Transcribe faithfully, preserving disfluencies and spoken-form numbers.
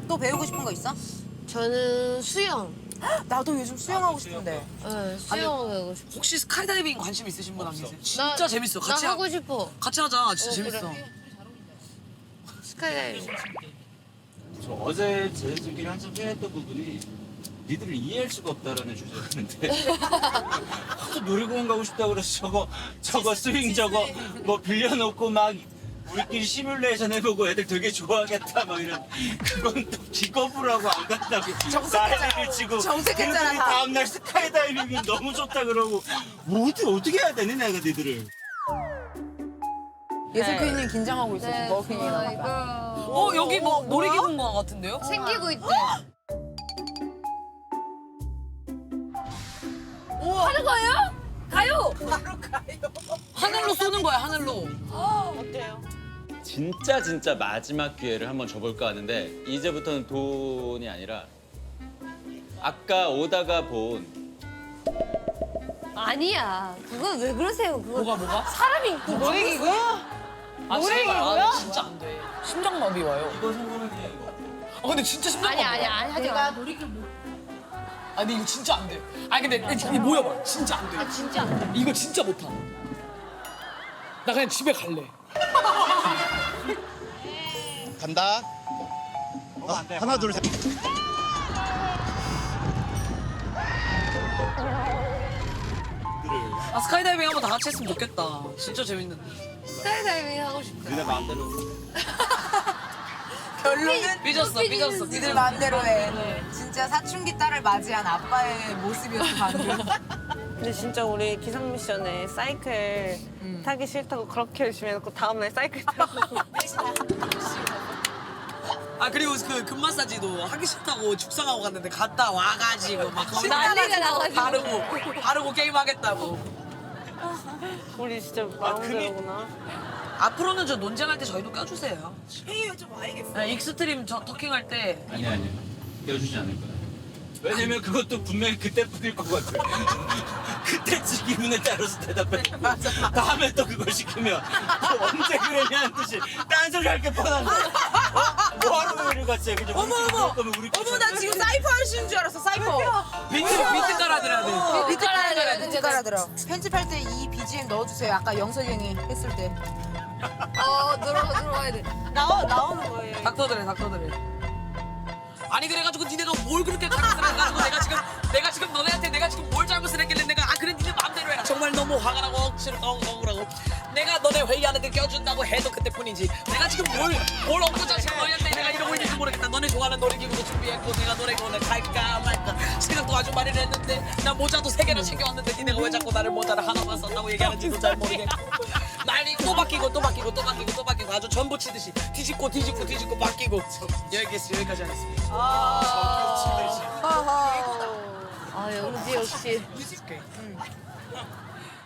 또 배우고 싶은 거 있어? 저는 수영. 나도 요즘 수영하고 싶은데. 네, 수영 배우고 싶어. 혹시 스카이다이빙 관심 있으신 분 안 계세요? 진짜 나- 재밌어. 나 같이 하- 하고 싶어. 같이 하자. 진짜 어, 재밌어. 그래. 스카이다이빙. 저 어제 저희들끼리 한참 회의했던 부분이 니들을 이해할 수가 없다라는 주제였는데 하도 놀이공원 가고 싶다고 그래서 저거 저거 스윙 저거 뭐 빌려놓고 막 우리끼리 시뮬레이션 해보고 애들 되게 좋아하겠다 막 이런 그건 또 기겁을 하고 안 간다고 난리를 치고 정색했잖아, 걔네들이 다. 다음날 스카이다이빙이 너무 좋다 그러고 뭐 어떻게 어떻게 해야 되니 내가 니들을 예슬 퀸님 긴장하고 있어. 네, 지금 머핀이랑. 이거 어 여기 뭐 뭐야? 놀이기구인 같은데요? 생기고 있대. 하는 거예요? 가요. 하늘로 쏘는 거야 하늘로. 진짜 진짜 마지막 기회를 한번 줘볼까 하는데 이제부터는 돈이 아니라 아까 오다가 본 아니야. 그건 왜 그러세요? 그거 뭐가 뭐가? 사람이 있고 놀이기구? 아 제발 아, 진짜 안 돼. 심장마비 와요. 이거 성공은 해 이거 아 근데 진짜 심장마비. 아니 아니 아니 하지 마. 아 근데 이거 진짜 안 돼. 아니 근데 이거 모여봐. 진짜 안 돼. 아, 진짜 안 돼. 이거 진짜 못하. 나 그냥 집에 갈래. 간다. 어, 하나 둘 셋. 아 스카이다이빙 한번 다 같이 했으면 좋겠다. 진짜 재밌는데. 스카이다이빙 하고 싶다. 니네 마음대로 결론은 삐졌어 삐졌어. 니들 마음대로 해. 진짜 사춘기 딸을 맞이한 아빠의 모습이었어 방금. 근데 진짜 우리 기상 미션에 사이클 타기 싫다고 그렇게 열심히 해놓고 다음날 사이클 타고 아 그리고 그 금마사지도 하기 싫다고 죽상하고 갔는데 갔다 와가지고 막 거기 난리가 나가지고. 바르고 바르고 게임하겠다고. 우리 진짜 마음대로구나. 앞으로는 저 논쟁할 때 저희도 껴주세요. 회의 좀 와야겠어. 익스트림 저 터킹할 때 아니 아니 껴주지 않을 거야. 왜냐면 그것도 분명히 그때 뿐일 것 같아. 그때 지기분에 따라서 대답해. 다음에 또 그걸 시키면 또 언제 그랬냐는 뜻이 딴소리 할 게 뻔한데. 어? 뭐하러 우리를 같이 해. 그냥 어머 우리끼리 어머. 먹을 거면 우리끼리 어머 나 먹자. 지금 사이퍼 하시는 줄 알았어 사이퍼. 비트 비트 깔아드려야 돼. 비트 깔아들어 비트 깔아들어. 편집할 때 이 비지엠 넣어주세요. 아까 영석이 형이 했을 때. 어 들어가 들어가야 돼. 나오, 나오는 거예요. 닥터들해 닥터들해. 아니 그래가지고 니네가 뭘 그렇게 잘못을 해가지고 내가 지금 내가 지금 너네한테 내가 지금 뭘 잘못을 했길래 내가 아 그래 니네 마음대로 해라. 정말 너무 화가 나고 억지로 엉엉하고 내가 너네 회의하는데 껴준다고 해도 그때뿐이지. 내가 지금 뭘뭘 엉뚱자식 너희한테 내가 이러고 있는지 모르겠다. 너네 좋아하는 놀이기구도 준비했고 내가 놀이기구를 갈까 말까 생각도 아주 많이 했는데 나 모자도 세 개나 챙겨왔는데 니네가 왜 자꾸 나를 모자를 하나만 썼다고 얘기하는지도 잘 모르겠고 난리 또 바뀌고 또 바뀌고 또 바뀌고 또 바뀌고 아주 전부 치듯이 뒤집고 뒤집고 뒤집고 바뀌고 여기까지 여기까지 하겠습니다. 아 역시 역시.